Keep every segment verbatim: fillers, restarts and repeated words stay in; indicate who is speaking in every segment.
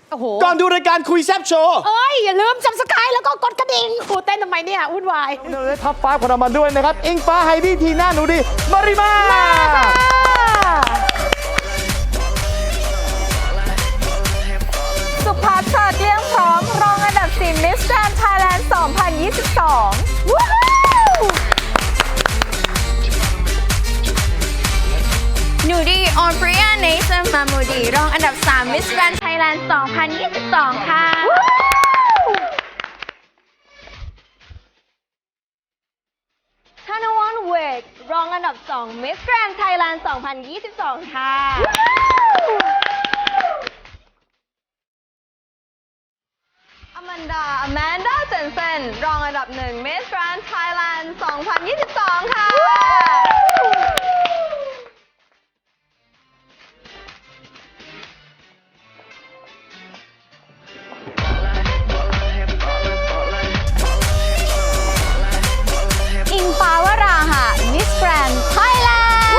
Speaker 1: ก่อนดูรายการคุยแซบโชว์
Speaker 2: เอ้ยอย่าลืมซับสไครต์แล้วก็กดกระดิ่งกูเต้นทำไมเนี่ยวุ่นวาย
Speaker 1: เราได้ท็อปไฟว์ของเรามาด้วยนะครับอิงฟ้าไฮดี้ทีน่าหนูดีมาริมา
Speaker 3: สุภัทราเกลี้ยงพร้อมรองอันดับสี่ Miss Grand Thailand สองพันยี่สิบสองว้าวหนูดีออนปริยาเนสมามูดีรองอันดับสาม Miss Grand Thailand สองพันยี่สิบสองค่ะธนวัฒน์เวกรองอันดับสอง Miss Grand Thailand สองพันยี่สิบสองค่ะอแมนดาอแมนดาเจนเซนรองอันดับหนึ่ง Miss Grand Thailand สองพันยี่สิบสองค่ะอิงฟ้าวราหะ Miss Grand Thailand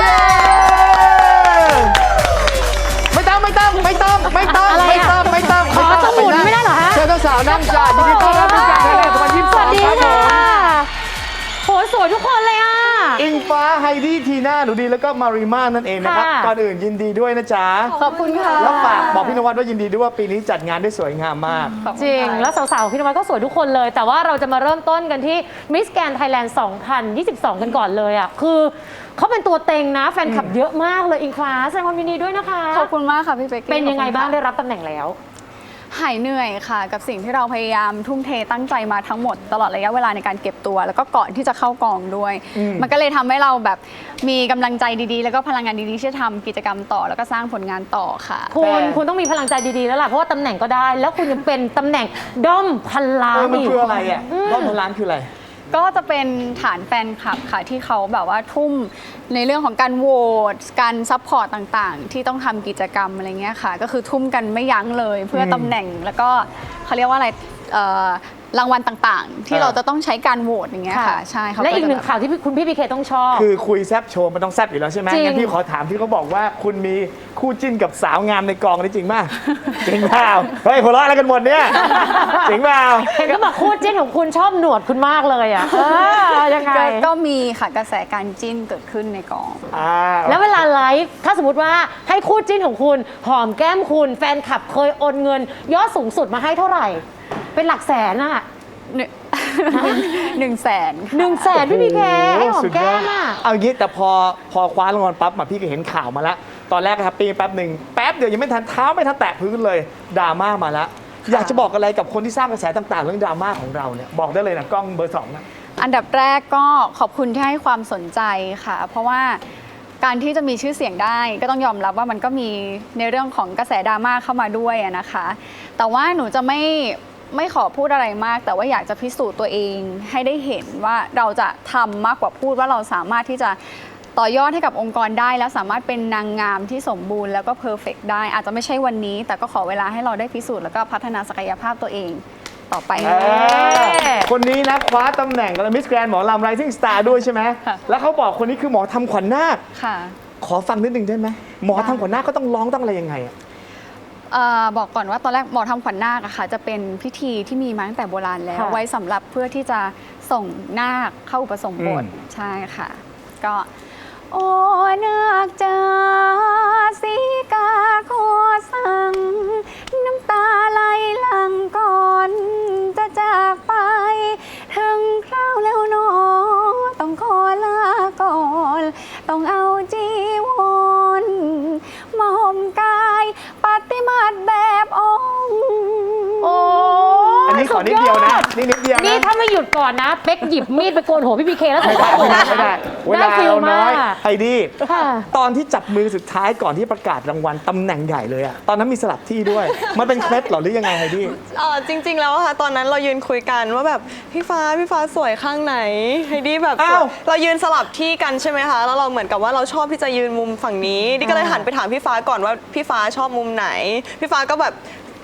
Speaker 1: ไม่ต้องไม่ต้องไม่ต้องไม่ต้องไม่ต้องไม่ต้องไม่ต้อง
Speaker 2: ต้องหมุนไม่ได้เหรอฮะ
Speaker 1: เชิญเจ้าสาวนั่งจ้ายินดีต้อนรับมิสแกรนด์ไทยแลนด์สองพันยี่สิบสองครับผม
Speaker 2: โหสวยทุกคนเลยอ่ะ
Speaker 1: อิงฟ้าไฮดี้ทีน่าหนูดีแล้วก็มาริมานั่นเองนะครับก่อนอื่นยินดีด้วยนะจ๊ะ
Speaker 3: ขอบคุณค่ะ
Speaker 1: แล้วฝากบอกพี่นวัดว่ายินดีด้วยว่าปีนี้จัดงานได้สวยงามมาก
Speaker 2: จริงแล้วสาวๆพี่นวัดก็สวยทุกคนเลยแต่ว่าเราจะมาเริ่มต้นกันที่ Miss Grand Thailand สองพันยี่สิบสองกันก่อนเลยอ่ะคือเขาเป็นตัวเต็งนะแฟนคลับเยอะมากเลยอิงฟ้าแสดงความยินดีด้วยนะคะ
Speaker 3: ขอบคุณมากค่ะพี่เป๊ก
Speaker 2: เป็นยังไงบ้างได้รับตำแหน่งแล้ว
Speaker 3: หายเหนื่อยค่ะกับสิ่งที่เราพยายามทุ่มเทตั้งใจมาทั้งหมดตลอดระยะเวลาในการเก็บตัวแล้วก็ก่อนที่จะเข้ากองด้วยมันก็เลยทำให้เราแบบมีกำลังใจดีๆแล้วก็พลังงานดีๆที่จะทำกิจกรรมต่อแล้วก็สร้างผลงานต่อค่ะ
Speaker 2: คุณคุณต้องมีพลังใจดีๆแล้วล่ะเพราะว่าตำแหน่งก็ได้แล้วคุณยังเป็นตำแหน่งด้อมพันล้าน
Speaker 1: มันคืออะไรอ่ะด้อมพันล้านคืออะไร
Speaker 3: ก็จะเป็นฐานแฟนคลับค่ะที่เขาแบบว่าทุ่มในเรื่องของการโหวตการซัพพอร์ตต่างๆที่ต้องทำกิจกรรมอะไรเงี้ยค่ะก็คือทุ่มกันไม่ยั้งเลยเพื่อตำแหน่งแล้วก็เขาเรียกว่าอะไรรางวัลต่างๆที่เราจะต้องใช้การโหวตอย่างเงี้ยค่ะใช่
Speaker 2: ค่ะและอีกหนึ่งข่าวที่คุณพี่พีเคต้องชอบ
Speaker 1: คือคุยแซบโชว์มันต้องแซบอยู่แล้วใช่ไหมงั้นพี่ขอถามที่เขาบอกว่าคุณมีคู่จิ้นกับสาวงามในกองนี่จริงป่ะจริงเปล่าเฮ้ยหัวเราะอะไรกันหมดเนี่ยจริงเปล่า
Speaker 2: เห็นก็บอกคู่จิ้นของคุณชอบหนวดคุณมากเลยอ่ะยังไง
Speaker 3: ก็มีค่ะกระแสการจิ้นเกิดขึ้นในกอง
Speaker 2: แล้วเวลาไลฟ์ถ้าสมมติว่าให้คู่จิ้นของคุณหอมแก้มคุณแฟนคลับเคยโอนเงินยอดสูงสุดมาให้เท่าไหร่เป็นหลักแสนอะ
Speaker 3: หนึ่งแสน
Speaker 2: หนึ่งแสนพี่พีเคให้หอมแก้มอะ
Speaker 1: เอางี้แต่พอพอคว้ารางวัลปั๊บมาพี่ก็เห็นข่าวมาแล้วตอนแรกแฮปปี้แป๊บหนึ่งแป๊บเดียวยังไม่ทันเท้าไม่ทันแตะพื้นเลยดราม่ามาแล้วอยากจะบอกอะไรกับคนที่สร้างกระแสต่างๆเรื่องดราม่าของเราเนี่ยบอกได้เลยนะกล้องเบอร์สองนะ
Speaker 3: อันดับแรกก็ขอบคุณที่ให้ความสนใจค่ะเพราะว่าการที่จะมีชื่อเสียงได้ก็ต้องยอมรับว่ามันก็มีในเรื่องของกระแสดราม่าเข้ามาด้วยนะคะแต่ว่าหนูจะไม่ไม่ขอพูดอะไรมากแต่ว่าอยากจะพิสูจน์ตัวเองให้ได้เห็นว่าเราจะทำมากกว่าพูดว่าเราสามารถที่จะต่อยอดให้กับองค์กรได้แล้วสามารถเป็นนางงามที่สมบูรณ์แล้วก็เพอร์เฟกต์ได้อาจจะไม่ใช่วันนี้แต่ก็ขอเวลาให้เราได้พิสูจน์แล้วก็พัฒนาศักยภาพตัวเองต่อไป
Speaker 1: คนนี้นะคว้าตำแหน่งมิสแกรนด์หมอลำ Rising Star ด้วยใช่ไหมแล้วเขาบอกคนนี้คือหมอทำขวัญนาค
Speaker 3: ค่ะ
Speaker 1: ขอฟังนิดนึงได้ไหมหมอทำขวัญนาคก็ต้องร้องต้องอะไรยังไงอะ
Speaker 3: บอกก่อนว่าตอนแรกหมอทำขวัญนาคอะค่ะจะเป็นพิธีที่มีมาตั้งแต่โบราณแล้วไว้สำหรับเพื่อที่จะส่งนาคเข้าอุปสมบทใช่ค่ะก็โอ้นาคจ๋าสีกาขอสั่งน้ำตาไหลหลังก่อนจะจากไปถึงคราวแล้วหนอต้องขอลาก่อนต้องเอาจีวรมาห่มกายปฏิมาแบบองค์
Speaker 2: โอ้
Speaker 1: อันนี้ขอนิดเดียวนะนี่นิดเดียว
Speaker 2: นี่ถ้าไม่หยุดก่อนนะเป๊กหยิบมีดไปโกนหัวพี่พีเคแล้ว
Speaker 1: ไม่ได้ไม่ได้ไม่ได้เวลาเราน้อยไฮดี้ตอนที่จับมือสุดท้ายก่อนที่ประกาศรางวัลตำแหน่งใหญ่เลยอะตอนนั้นมีสลับที่ด้วยมันเป็นเคล็ดหรอหรือยังไงไฮดี้
Speaker 4: อ๋อจริงๆแล้วค่ะตอนนั้นเรายืนคุยกันว่าแบบพี่ฟ้าพี่ฟ้าสวยข้างไหนไฮดี้แบบเรายืนสลับที่กันใช่ไหมคะแล้วเราเหมือนกับว่าเราชอบที่จะยืนมุมฝั่งนี้ดิก็เลยหันไปถามพี่ฟ้าก่อนว่าพี่ฟ้าชอบมุมไหนพี่ฟ้าก็แบบ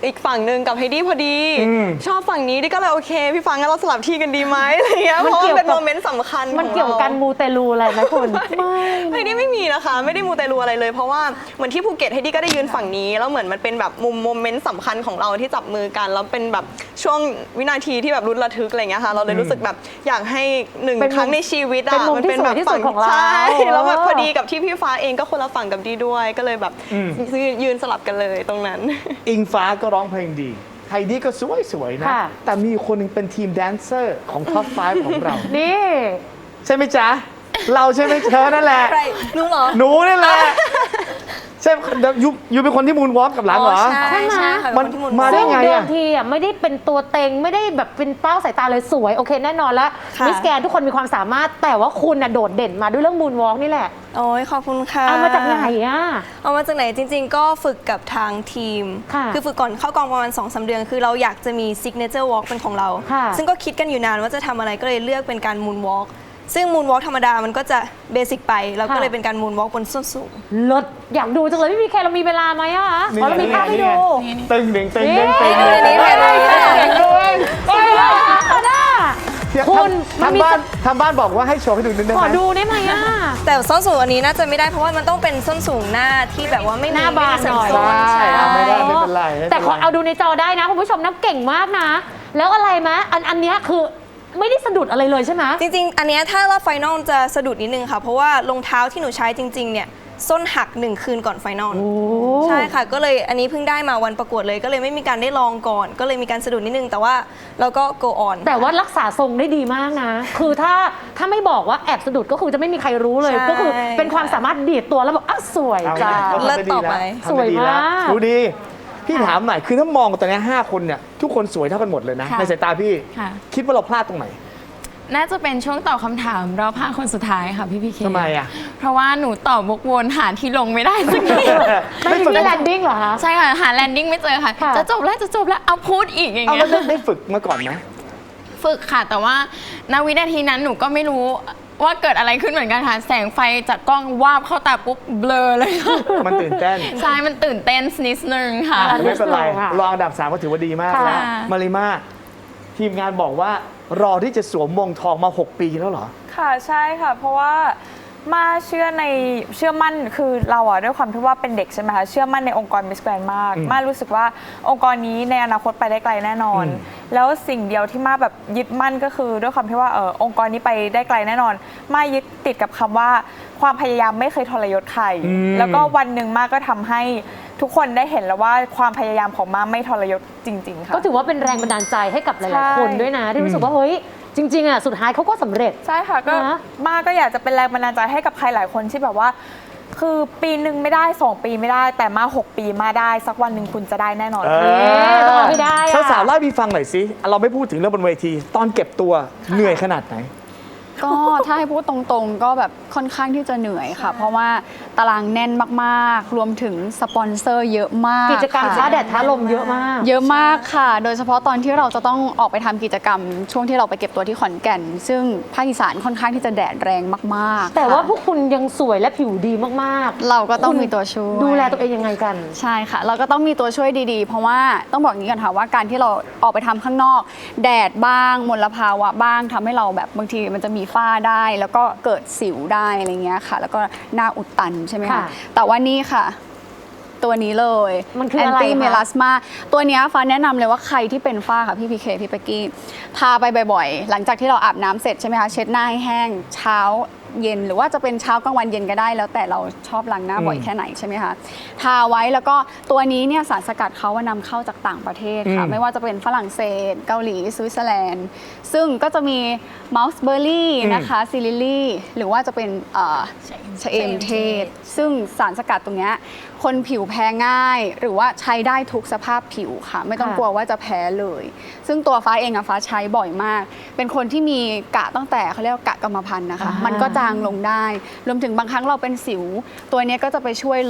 Speaker 4: อีกฝั่งหนึ่งกับไฮดี้พอดี
Speaker 1: อืม
Speaker 4: ชอบฝั่งนี้ดิก็เลยโอเค พี่ฟ้างั้นเราสลับที่กันดีไหมอะไรเงี้ยเพราะว่ามันเป็นโมเมนต์สำคัญ
Speaker 2: มันเกี่ยวกับการมูเตลูอะไรไหมคุณไม่
Speaker 4: ไฮดี้ไม่มีนะคะ ไม่ได้มูเตลูอะไรเลย เพราะว่าเหมือนที่ภูเก็ตไฮดี้ก็ได้ยืนฝั่งนี้แล้วเหมือนมันเป็นแบบมุมโมเมนต์สำคัญของเราที่จับมือกันแล้วเป็นแบบช่วงวินาทีที่แบบรุนระทึกอะไรเงี้ยค่ะเราเลยรู้สึกแบบอยากให้หนึ่ง
Speaker 2: เป็นมุม
Speaker 4: ครั้งในชีวิต
Speaker 2: เป็น
Speaker 4: อ่ะ
Speaker 2: มุม
Speaker 4: มัน
Speaker 2: ที่
Speaker 4: เป็น
Speaker 2: ส
Speaker 4: แบ
Speaker 2: วย
Speaker 4: บ
Speaker 2: ที่สุ
Speaker 4: ฝั่
Speaker 2: ด
Speaker 4: ง
Speaker 2: ของเรา
Speaker 4: ใช่แล้วแบบ
Speaker 2: เออ
Speaker 4: พอดีกับที่พี่ฟ้าเองก็คนละฝั่งกับดีด้วยก็เลยแบบ
Speaker 1: อืม
Speaker 4: ยืนสลับกันเลยตรงนั้น
Speaker 1: อิงฟ้าก็ร้องเพลงดีไฮดี้ก็สวยๆนะ
Speaker 2: ค่ะ
Speaker 1: แต่มีคนหนึงเป็นทีมแดนเซอร์ของท็อปไฟว์ของเรา
Speaker 2: นี่
Speaker 1: ใช่ไหมจ๊ะ เราใช่ไหมเธอนั่นแหละ
Speaker 5: ใครหนูเหรอ
Speaker 1: หนูนี่แหละ ใช่ยูยูเป็นคนที่มูนวอล์กกับหลังเหรอ
Speaker 5: ใช่ใช่ค่ะ
Speaker 1: มัน
Speaker 5: เป็นคนที่มุน
Speaker 1: มาได้
Speaker 2: ซึ่ง
Speaker 1: ไง
Speaker 2: เดิ
Speaker 1: อะ
Speaker 2: มทีอ่ะไม่ได้เป็นตัวเต็งไม่ได้แบบเป็นเป้าสายตาเลยสวยโอเคแน่นอนแล้ว
Speaker 5: ค่ะ
Speaker 2: มิสแกนทุกคนมีความสามารถแต่ว่าคุณน่ะโดดเด่นมาด้วยเรื่องมูนวอล์กนี่แหละ
Speaker 5: โอ้ยขอบคุณค่ะ
Speaker 2: เอามาจากไหนอ่ะ
Speaker 5: เอามาจากไหนจริง ๆ ก็ฝึกกับทางทีม
Speaker 2: ค่ะ
Speaker 5: อฝึกก่อนเข้ากองประมาณสองสามเดือน คือเราอยากจะมีซิกเนเจอร์วอล์กเป็นของเรา
Speaker 2: ค่ะ
Speaker 5: ซึ่งก็คิดกันอยู่นานว่าจะทำอะไรก็เลยเลือกเป็นการมูนวอล์กซึ่งมูนวอล์กธรรมดามันก็จะเบสิกไปเราก็เลยเป็นการมูนวอล์กบนส้นสูง
Speaker 2: เลิศอยากดูจังเลยพี่พีเคเรามีเวลาไหมอ่ะอ๋อเรามีภาพให้ดู
Speaker 1: ตึงหนึ่งตึง
Speaker 2: นี่
Speaker 1: หนึ่งตึงหนึ่ง
Speaker 5: นี่นี่นี่นี่
Speaker 2: เอ้ยน่า
Speaker 1: เดี๋ยว
Speaker 2: คุณมัน
Speaker 1: ทำ
Speaker 2: มี
Speaker 1: บ้านทำบ้านบอกว่าให้โชว์ให้ดูนิดนึง
Speaker 2: ขอ
Speaker 1: ได้ไหม
Speaker 2: ดูได้ไหมอ่ะ
Speaker 5: แต่ส้นสูงอันนี้น่าจะไม่ได้เพราะว่ามันต้องเป็นส้นสูงหน้าที่แบบว่าไม่มี
Speaker 2: หน้าบาน
Speaker 5: ไม่มีเสริม
Speaker 2: หน่อย
Speaker 5: ส้น
Speaker 1: ใช่อ่ะไม่ได้ไม่เป็นไรไม่เป็นไร
Speaker 2: แต่ขอเอาดูในจอได้นะคุณผู้ชมนะเก่งมากนะ แล้วอะไรมะอันอันเนี้ยคือไม่ได้สะดุดอะไรเลยใช่ไหม
Speaker 5: จริงๆ อันเนี้ยถ้ารอบไฟนอลจะสะดุดนิดนึงค่ะ เพราะว่ารองเท้าที่หนูใช้จริง ๆ เนี่ย ส้นหักหนึ่งคืนก่อนไฟนอล
Speaker 2: โอ้
Speaker 5: ใช่ค่ะ ก็เลยอันนี้เพิ่งได้มาวันประกวดเลย ก็เลยไม่มีการได้ลองก่อน ก็เลยมีการสะดุดนิดนึง แต่ว่าเราก็ go on
Speaker 2: แต่ว่ารักษาทรงได้ดีมากนะ คือถ้าถ้าไม่บอกว่าแอบสะดุดก็คือจะไม่มีใครรู้เลย
Speaker 5: ใช่
Speaker 2: ก็คือเป็นความสามารถดีดตัวแล้วบอกอ้าวสวย
Speaker 1: เอา
Speaker 2: จ้า
Speaker 1: ไงก็ทำ
Speaker 5: เลิศ
Speaker 1: ได้ดี
Speaker 5: ต่อไป
Speaker 1: แล้วทำได้ดีแล้ว
Speaker 2: สวยมาก
Speaker 1: ดูดี พี่ถามหน่อย คือถ้ามองตอนนี้ห้าคนเนี่ย ทุกคนสวยเท่ากันหมดเลยนะ
Speaker 6: ค่ะ
Speaker 1: ในสายตาพี่
Speaker 6: ค่ะ
Speaker 1: คิดว่าเราพลาดตรงไหน
Speaker 6: น่าจะเป็นช่วงตอบคำถามรอบห้าคนสุดท้ายค่ะพี่พีเค
Speaker 1: ทำไมอ่ะ
Speaker 6: เพราะว่าหนูตอบวกวนหาที่ลงไม่ได้สักที
Speaker 2: ไม่มีที่แลนดิ้งเหรอคะ
Speaker 6: ใช่ค่ะ หาแลนดิ้งไม่เจอค่ะ
Speaker 2: ค่ะ
Speaker 6: จะจบแล้วจะจบแล้วเอาพูดอีกอย่าง
Speaker 1: เอา
Speaker 6: เงี้
Speaker 1: แล้ว
Speaker 6: ย
Speaker 1: ได้ได้ฝึกมาก่อนไหม
Speaker 6: ฝึกค่ะ แต่ว่าณวินาทีนั้นหนูก็ไม่รู้ว่าเกิดอะไรขึ้นเหมือนกันค่ะแสงไฟจากกล้องวาบเข้าตาปุ๊บเบลอเลยค่ะ
Speaker 1: มันตื่นเต้น
Speaker 6: ใช่มันตื่นเต้นนิดนึงค่ะ
Speaker 2: อ่ะ
Speaker 1: ไม่เป็นไร
Speaker 2: ค่ะ
Speaker 1: รองอันดับสามก็ถือว่าดีมาก
Speaker 2: ค่ะ
Speaker 1: แล้วมาริมาทีมงานบอกว่ารอที่จะสวมมงทองมาหกปีแล้วเหรอ
Speaker 7: ค่ะใช่ค่ะ เพราะว่ามาเชื่อในเชื่อมั่นคือเราอะด้วยความที่ว่าเป็นเด็กใช่ไหมคะเชื่อมั่นในองค์กรมิสแกรนมาก
Speaker 1: อืม
Speaker 7: มารู้สึกว่าองค์กรนี้ในอนาคตไปได้ไกลแน่นอน
Speaker 1: อืม
Speaker 7: แล้วสิ่งเดียวที่มาแบบยึดมั่นก็คือ ด้วยความที่ว่าเออองค์กรนี้ไปได้ไกลแน่นอน มายึดติดกับคำว่าความพยายามไม่เคยทรยศใคร
Speaker 1: อืม
Speaker 7: แล้วก็วันหนึ่งมาก็ทำให้ทุกคนได้เห็นแล้วว่าความพยายามของมาไม่ทรยศจริง ๆ ค่ะ
Speaker 2: ก็ถือว่าเป็นแรงบันดาลใจให้กับห
Speaker 7: ใช่
Speaker 2: ลายๆคนด้วยนะ ที่รู้สึกว่าเฮ้ยจริงๆอ่ะสุดท้ายเขาก็สำเร็จ
Speaker 7: ใช่ค่ะก็
Speaker 2: นะ
Speaker 7: มาก็อยากจะเป็นแรงบันดาลใจให้กับใครหลายคนที่แบบว่า คือปีหนึ่งไม่ได้สองปีไม่ได้ แต่มาหกปีมาได้สักวันหนึ่งคุณจะได้แน่นอน
Speaker 1: เอ
Speaker 7: ค่ะ
Speaker 2: ต้องเอาให้ได้อะ
Speaker 1: สาวๆเล่าให้พี่ฟังหน่อยสิ เราไม่พูดถึงเรื่องบนเวที ตอนเก็บตัวเหนื่อยขนาดไหน
Speaker 3: ก็ถ้าให้พูดตรงๆ ก็แบบค่อนข้างที่จะเหนื่อยค่ะ เพราะว่าตารางแน่นมากๆ รวมถึงสปอนเซอร์เยอะมาก
Speaker 2: กิจกรรม
Speaker 3: ค่ะ
Speaker 2: ท้าแดดท้าลมเยอะมาก
Speaker 3: เยอะมากค่ะ โดยเฉพาะตอนที่เราจะต้องออกไปทำกิจกรรม ช่วงที่เราไปเก็บตัวที่ขอนแก่น ซึ่งภาคอีสานค่อนข้างที่จะแดดแรงมากๆ
Speaker 2: แต่ว่า
Speaker 3: ค่ะ
Speaker 2: พวกคุณยังสวยและผิวดีมากๆ
Speaker 3: เราก็ต้อง
Speaker 2: คุณ
Speaker 3: มีตัวช่วย
Speaker 2: ดูแลตัวเองยังไงกัน
Speaker 3: ใช่ค่ะ เราก็ต้องมีตัวช่วยดีๆ เพราะว่าต้องบอกอย่างนี้ก่อนค่ะว่าการที่เราออกไปทำข้างนอก แดดบ้างมลภาวะบ้างทำให้เราแบบบางทีมันจะมีฝ้าได้ แล้วก็เกิดสิวได้อะไรเงี้ยค่ะ แล้วก็หน้าอุดตันใช่ไหมคะ
Speaker 2: ค่ะ
Speaker 3: แต่ว่านี่ค่ะ ตัวนี้เลย
Speaker 2: มันคืออะไรคะ
Speaker 3: ตี้เมลาสมาตัวเนี้ยฟ้าแนะนำเลยว่าใครที่เป็นฝ้าค่ะพี่พีเคพี่เป๊กกี้ทาไปบ่อยๆ หลังจากที่เราอาบน้ำเสร็จใช่ไหมคะเช็ดหน้าให้แห้งเช้าเย็นหรือว่าจะเป็นเช้ากลางวันเย็นก็ได้ แล้วแต่เราชอบล้างหน้าบ่อยแค่ไหนใช่ไหมคะทาไว้แล้วก็ตัวนี้เนี่ยสารสกัดเขาว่านำเข้าจากต่างประเทศค่ะ
Speaker 1: อืม
Speaker 3: ไม่ว่าจะเป็นฝรั่งเศสเกาหลีสวิตเซอร์แลนด์ ซึ่งก็จะมีมัลส์เบอร์รี่นะคะซิลิลี่หรือว่าจะเป็นเอ่อชะเอมเทศ ซึ่งสารสกัดตรงเนี้ยคนผิวแพ้ง่าย หรือว่าใช้ได้ทุกสภาพผิวค่ะ ไม่ต้อง
Speaker 2: ค่ะ
Speaker 3: กลัวว่าจะแพ้เลย ซึ่งตัวฟ้าเองอะฟ้าใช้บ่อยมาก เป็นคนที่มีกะตั้งแต่เขาเรียกว่ากะกรรมพันธุ์นะคะ
Speaker 2: อ่ามั
Speaker 3: มันก็จางลงได้ รวมถึงบางครั้งเราเป็นสิว ตัวเนี้ยก็จะไปช่วยลบ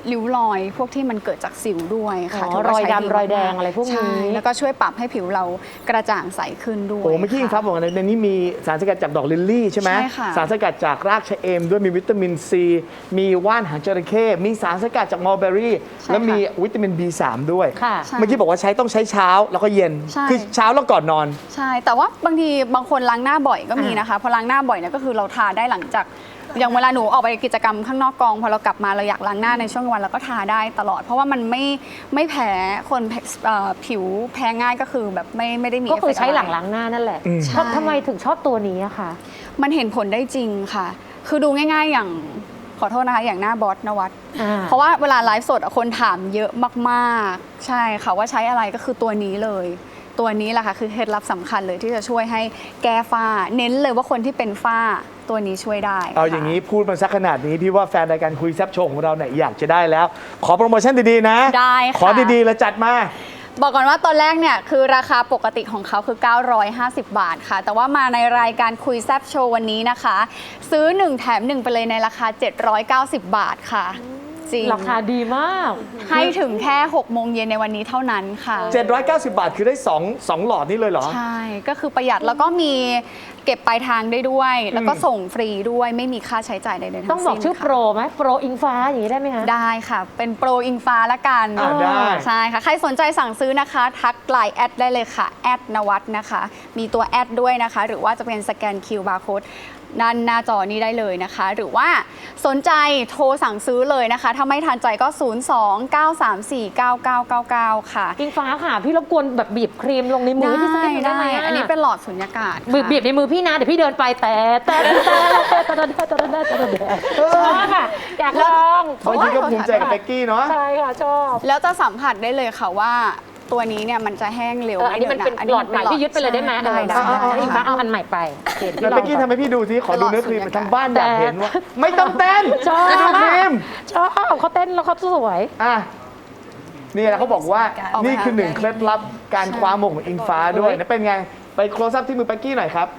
Speaker 3: ริ้วรอยพวกที่มันเกิดจากสิวด้วยค่ะ
Speaker 2: อ๋อ
Speaker 3: ถืว่
Speaker 2: รอย
Speaker 3: ใช้
Speaker 2: ดำรอยแดงอะไรพวกนี้
Speaker 3: ใช่แล้วก็ช่วยปรับให้ผิวเรากระจ่างใสขึ้นด้วย
Speaker 1: โอ้เมื่อกี้อิงฟ้าบอกว่าในนี้มีสารสกัดจากดอกลิลลี่ใช่ไหม
Speaker 3: ใช่ค่ะ
Speaker 1: สารสกัดจากรากชะเอมด้วยมีวิตามินซีมีว่านหางจระเข้มีสารสกัดจากมอลเบอรี่และมีวิตามิน บี สาม ด้วย
Speaker 2: ค่ะ
Speaker 3: ใช่
Speaker 1: เมื่อกี้บอกว่าใช้ต้องใช้เช้าแล้วก็เย็น
Speaker 3: ใช่
Speaker 1: คือเช้าแล้วก่อนนอน
Speaker 3: ใช่ แต่ว่าบางทีบางคนล้างหน้าบ่อยก็มีนะคะ พอล้างหน้าบ่อยเนี่ยก็คือเราทาได้หลังจากอย่างเวลาหนูออกไปกิจกรรมข้างนอกกองพอเรากลับมาเราอยากล้างหน้าในช่วงวันเราก็ทาได้ตลอด เพราะว่ามันไม่ไม่แพ้คนเอ่อผิวแพ้ง่ายก็คือแบบไม่ไม่ได้มี
Speaker 2: ก็คือ
Speaker 3: เฟเฟต์
Speaker 2: ใช้หลัง
Speaker 3: ะไร
Speaker 2: ล้างหน้านั่นแหละ
Speaker 1: อืม
Speaker 2: ทำทำไมถึงชอบตัวนี้อะคะ
Speaker 3: มันเห็นผลได้จริงค่ะ คือดูง่ายๆอย่างขอโทษนะคะอย่างหน้าบอสนวัด
Speaker 2: อ่า
Speaker 3: เพราะว่าเวลาไลฟ์สดอะคนถามเยอะมากๆ ใช่ค่ะว่าใช้อะไรก็คือตัวนี้เลย ตัวนี้แหละค่ะคือเคล็ดลับสำคัญเลยที่จะช่วยให้แก้ฝ้า เน้นเลยว่าคนที่เป็นฝ้าตัวนี้ช่วยได้
Speaker 1: เอาอย่างนี้พูดมาสักขนาดนี้พี่ว่าแฟนรายการคุยแซบโชว์ของเราเนี่ยอยากจะได้แล้ว ขอโปรโมชั่นดีๆนะ
Speaker 3: ได้ค่ะ
Speaker 1: ขอดีๆแล้วจัดมา
Speaker 3: บอกก่อนว่าตอนแรกเนี่ยคือราคาปกติของเขาคือ เก้าร้อยห้าสิบ บาทค่ะ แต่ว่ามาในรายการคุยแซบโชว์วันนี้นะคะ ซื้อ หนึ่ง แถม หนึ่ง ไปเลยในราคา เจ็ดร้อยเก้าสิบ บาทค่ะจริง
Speaker 2: ราคาดีมาก
Speaker 3: ให้ถึงแค่หกโมงเย็นในวันนี้เท่านั้นค่ะ
Speaker 1: เจ็ดร้อยเก้าสิบ บาทคือได้สอง สองหลอดนี่เลยเหรอ
Speaker 3: ใช่ ก็คือประหยัดแล้วก็มีเก็บปลายทางได้ด้วย แล้วก็ส่งฟรีด้วยไม่มีค่าใช้จ่ายใดๆทั้งสิ้น
Speaker 2: ต้องบอกชื่อ
Speaker 3: ค่ะ
Speaker 2: โปรไหมโปรอิงฟ้าอย่างนี้ได้ไหมคะ
Speaker 3: ได้ค่ะ เป็นโปรอิงฟ้าละกัน
Speaker 1: อ่าได้
Speaker 3: ใช่ค่ะ ใครสนใจสั่งซื้อนะคะ ทักไลน์แอดได้เลยค่ะ แอดนวัดนะคะ มีตัวแอดด้วยนะคะ หรือว่าจะเป็นสแกน คิว บาร์ Code ด้านหน้าจอนี้ได้เลยนะคะ หรือว่าสนใจโทรสั่งซื้อเลยนะคะ ถ้าไม่ทันใจก็ ศูนย์ สอง เก้า สาม สี่ เก้า เก้า เก้า เก้า ค่ะ
Speaker 2: อิงฟ้าค่ะ พี่รบกวนแบบบีบครีมลงในมือให้พี่สักนิดนึงได้ไหม
Speaker 3: อันนี้เป็นหลอดสุญญากาศ
Speaker 2: บีบ
Speaker 3: ค่ะ
Speaker 2: บีบในมือพี่นะ เดี๋ยวพี่เดินไปแต่แต่แต่แต่แต่แต่แต่แต่แต่แต่ชอบค่ะอยากลอง
Speaker 1: บางทีก็ภูมิใจกับเบกกี้เนาะ
Speaker 2: ใช่ค่ะชอบ
Speaker 3: แล้วจะสัมผัสได้เลยค่ะว่าตัวนี้เนี่ยมันจะแห้งเร็ว
Speaker 2: เอออันนี้มันเป็นหลอดใหม่พี่ยึดไปเลยได้ไหม
Speaker 3: ได้ได้
Speaker 2: เออ
Speaker 3: ได้
Speaker 2: อิงฟ้าเอาอันใหม่ไปเดี๋ยว
Speaker 1: แล้ว
Speaker 2: พี่ล
Speaker 1: เบ
Speaker 2: อก ง
Speaker 1: กี้ทำให้พี่ดูสิขอดูเนื้อครีม
Speaker 3: ตลอด
Speaker 1: ทางบ้านอยากเห็นว่า ไม่ต้องเต้น
Speaker 2: ชอบ
Speaker 1: จะดูครีม
Speaker 2: ชอบเขาเต้นแล้วเขาสวย
Speaker 1: อ่ะนี่แหละเขาบอกว่า
Speaker 3: เอาไหม
Speaker 1: นี่คือ
Speaker 3: คะ
Speaker 1: หนึ่งเคล็ดลับการคว้ามงของอิงฟ้าด้วยนะเป็นไง ไปโคลซัพที่มือเบกกี้หน่อยครับ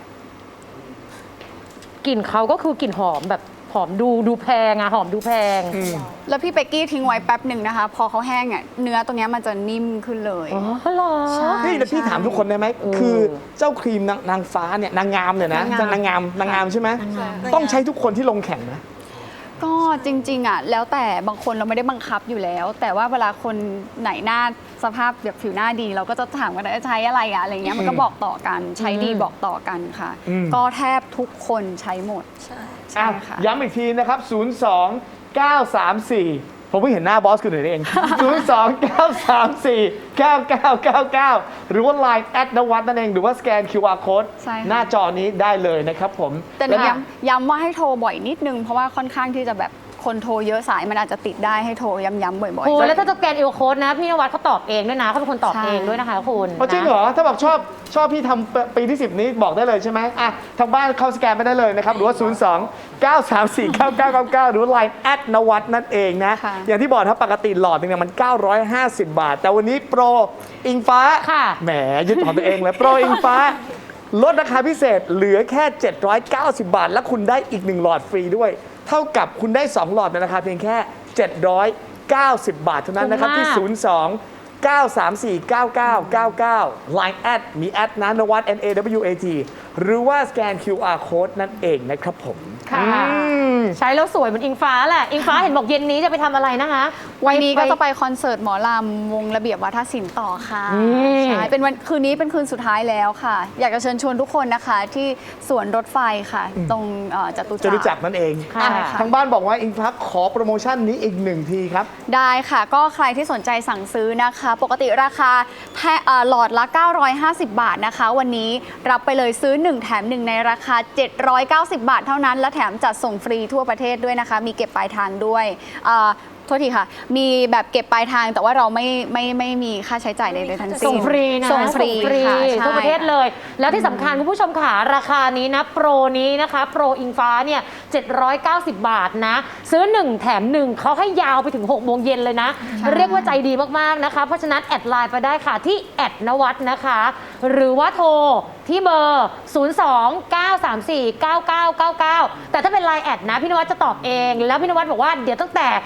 Speaker 2: กลิ่นเขาก็คือกลิ่นหอมแบบหอมดูดูแพงอะหอมดูแพง
Speaker 3: แล้วพี่เป๊กกี้ทิ้งไว้แป๊บหนึ่งนะคะ พอเขาแห้งอ่ะเนื้อตรงเนี้ยมันจะนิ่มขึ้นเลย
Speaker 2: อ๋อเหรอ
Speaker 3: ใช่
Speaker 1: นี่แล้วพี่ถามทุกคนได้ไหม
Speaker 2: เออ
Speaker 1: คือเจ้าครีมนางนางฟ้าเนี่ยนางงามเนี่ยนะ
Speaker 3: นางงาม
Speaker 1: นางงามนางงามใช่ไหมต้องใช้ทุกคนที่ลงแข่งนะ
Speaker 3: ก็จริงๆอ่ะแล้วแต่บางคนเราไม่ได้บังคับอยู่แล้ว แต่ว่าเวลาคนไหนหน้าสภาพแบบผิวหน้าดี เราก็จะถามกันว่าใช้อะไรอะอะไรเงี้ยมันก็บอกต่อกันใช้ดีบอกต่อกันค่ะ
Speaker 1: อืม
Speaker 3: ก็แทบทุกคนใช้หมด
Speaker 5: ใช่
Speaker 3: ใช่ค่ะ
Speaker 1: ย้ำอีกทีนะครับ ศูนย์ สอง เก้า สาม สี่ ผมเพิ่งเห็นหน้าบอสคุณหน่อยเอง ศูนย์ สอง เก้า สาม สี่ เก้า เก้า เก้า เก้า หรือว่า ไลน์ แอดนวัดนั่นเอง หรือว่าสแกน คิว อาร์ Code
Speaker 3: ใช่ค่ะ
Speaker 1: หน้าจอนี้ได้เลยนะครับผม
Speaker 3: แต่หนู
Speaker 1: ล้ว
Speaker 3: ย้ำย้ำว่าให้โทรบ่อยนิดนึง เพราะว่าค่อนข้างที่จะแบบคนโทรเยอะสายมันอาจจะติดได้ให้โทรย้ำๆบ่อย
Speaker 2: โอ้
Speaker 3: ๆ
Speaker 2: แล้วถ้าจะแกนเอลโค้ดนะ พี่นวัดเขาตอบเองด้วยนะเขาเป็นคนตอบ
Speaker 3: ใช่
Speaker 2: เองด้วยนะคะคุณ
Speaker 1: อ๋อจริงเหรอ ถ้าบอกชอบชอบพี่ทำปีที่ สิบ นี้บอกได้เลยใช่ไหมอ่ะทางบ้านเข้าสแกนไปได้เลยนะครับ หรือว่า ศูนย์ สอง เก้า สาม สี่ เก้า เก้า เก้า เก้า หรือว่า ไลน์ แอดนวัดนั่นเองนะ
Speaker 3: ค่ะ
Speaker 1: อย่างที่บอกถ้าปกติหลอดหนึงเนี่ยมัน เก้าร้อยห้าสิบ บาท แต่วันนี้โปรอิงฟ้า
Speaker 2: ค่ะ
Speaker 1: แหมยึดของตัวเองเลย โปรอิงฟ้า ลดราคาพิเศษเหลือแค่ เจ็ดร้อยเก้าสิบ บาท และคุณได้อีกหนึ่งหลอดฟรีด้วย เท่ากับคุณได้สองหลอดในราคาเพียงแค่ เจ็ดร้อยเก้าสิบ บาทเท่านั้นนะครับที่
Speaker 2: ถูกมาก
Speaker 1: ศูนย์ สอง เก้า สาม สี่ เก้า เก้า เก้า เก้า ไลน์ แอดมีแอดนะนวัด N A W A T หรือว่าสแกน คิว อาร์ Code นั่นเองนะครับผม
Speaker 2: ค่ะ
Speaker 1: อืม
Speaker 2: ใช้แล้วสวยเหมือนอิงฟ้าแหละ อิงฟ้าเห็นบอกเย็นนี้จะไปทำอะไรนะคะ
Speaker 3: วันนี้ก็จะไปคอนเสิร์ตหมอลำวงระเบียบวัฒนศิลป์ต่อค่ะ
Speaker 2: นี่
Speaker 3: ใช่เป็นวันคืนนี้เป็นคืนสุดท้ายแล้วค่ะ อยากจะเชิญชวนทุกคนนะคะ ที่สวนรถไฟค่ะ ตรงเอ่อจตุ
Speaker 1: จะ
Speaker 3: จัก
Speaker 1: รู้จัก
Speaker 3: ร
Speaker 1: นั่นเอง
Speaker 2: ค่ะ
Speaker 1: อ่ะทางบ้านบอกว่าอิงฟ้าขอโปรโมชั่นนี้อีกหนึ่งทีครับ
Speaker 3: ได้ค่ะ ก็ใครที่สนใจสั่งซื้อนะคะ ปกติราคาแพเอ่อหลอดละ เก้าร้อยห้าสิบ บาทนะคะ วันนี้รับไปเลยซื้อ หนึ่ง แถม หนึ่ง ในราคา เจ็ดร้อยเก้าสิบ บาทเท่านั้น และแถมจัดส่งฟรีทั่วประเทศด้วยนะคะ มีเก็บปลายทางด้วยเอ่อโทษทีค่ะ มีแบบเก็บปลายทางแต่ว่าเราไม่ไม่ไม่มีค่าใช้จ่ายใดๆทั้งสิ้น
Speaker 2: ส่งฟรีนะ
Speaker 3: ส่งฟรีค่ะใช่
Speaker 2: ทั่วประเทศเลย แล้วที่สำคัญคุณผู้ชมค่ะราคานี้นะ โปรนี้นะคะ โปรอิงฟ้าเนี่ยเจ็ดร้อยเก้าสิบ บาทนะ ซื้อ หนึ่ง แถม หนึ่งเขาให้ยาวไปถึงหกโมงเย็นเลยนะ เรียกว่าใจดีมาก ๆ นะคะ เพราะฉะนั้น แอดไลน์ไปได้ค่ะที่แอดนวัดนะคะ หรือว่าโทรที่เบอร์ ศูนย์ สอง เก้า สาม สี่ เก้า เก้า เก้า เก้า แต่ถ้าเป็นไลน์แอดนะพี่นวัดจะตอบเอง แล้วพี่นวัดบอกว่าเดี๋ยวตั้งแต่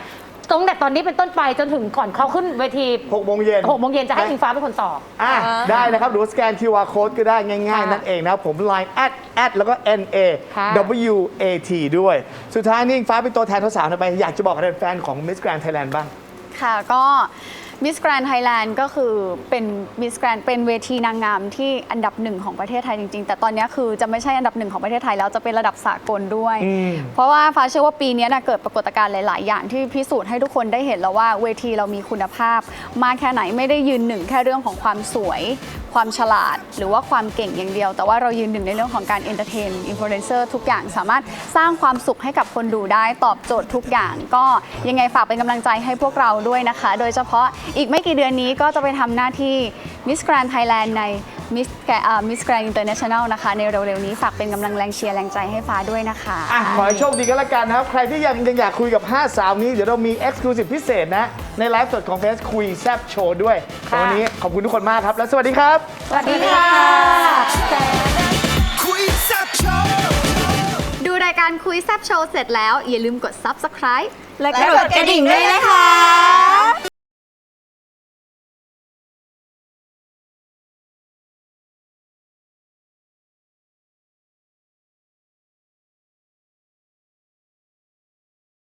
Speaker 2: ตั้งแต่ตอนนี้เป็นต้นไปจนถึงก่อนเขาขึ้นเวที
Speaker 1: หกโมงเย็น
Speaker 2: หกโมงเย็นจะให้อิงฟ้าเป็นคนตอบ
Speaker 1: อ่ะได้นะครับหรือว่าสแกน คิว อาร์ Code ก็ได้ง่ายๆ
Speaker 2: ค่ะ
Speaker 1: นั่นเองนะครับผม ไลน์ แอด แอด แล้วก็ เอ็น เอ
Speaker 2: ค่ะ
Speaker 1: ดับเบิลยู เอ ที ด้วย สุดท้ายนี่อิงฟ้าเป็นตัวแทนสาวๆหน่อยไป อยากจะบอกกับแฟนๆของ Miss Grand Thailand บ้าง
Speaker 3: ค่ะก็มิสแกรน n d ไทยแลนด์ก็คือเป็นมิสแกรนเป็นเวทีนางงามที่อันดับหนึ่งของประเทศไทยจริงๆ แต่ตอนนี้คือจะไม่ใช่อันดับหนึ่งของประเทศไทยแล้วจะเป็นระดับสากลด้วย
Speaker 1: อืม
Speaker 3: เพราะว่าฟ้าเชื่อว่าปีนี้นะเกิดปรากฏการณ์หลายๆ อย่างที่พิสูจน์ให้ทุกคนได้เห็นแล้วว่าเวทีเรามีคุณภาพมากแค่ไหนไม่ได้ยืนหนึ่งแค่เรื่องของความสวย ความฉลาด หรือว่าความเก่งอย่างเดียว แต่ว่าเรายืนหนึ่งในเรื่องของการเอนเตอร์เทนอินฟลูเอนเซอร์ทุกอย่างสามารถสร้างความสุขให้กับคนดูได้ตอบโจทย์ทุกอย่าง ก็ยังไงฝากเป็นกำลังใจให้พวกเราด้วยนะคะ โดยเฉพาะอีกไม่กี่เดือนนี้ก็จะไปทำหน้าที่ Miss Grand Thailand ใน Miss Miss Grand International นะคะในเร็วๆนี้ฝากเป็นกำลังแรงเชียร์แรงใจให้ฟ้าด้วยนะคะ
Speaker 1: อ่ะขอให้โชคดีกันละกันนะครับ ใครที่ยังยังอยากคุยกับ ห้า สาวนี้ เดี๋ยวเรามี Exclusive พิเศษนะ ในไลฟ์สดของเฟสคุยแซบโชว์ด้วยแต่วันนี้ขอบคุณทุกคนมากครับ และสวัสดีครับ
Speaker 2: สวัสดีค่ะ
Speaker 3: ดูรายการคุยแซบโชว์เสร็จแล้วอย่าลืมกด Subscribe
Speaker 5: และกดกระดิ่งด้วยนะคะ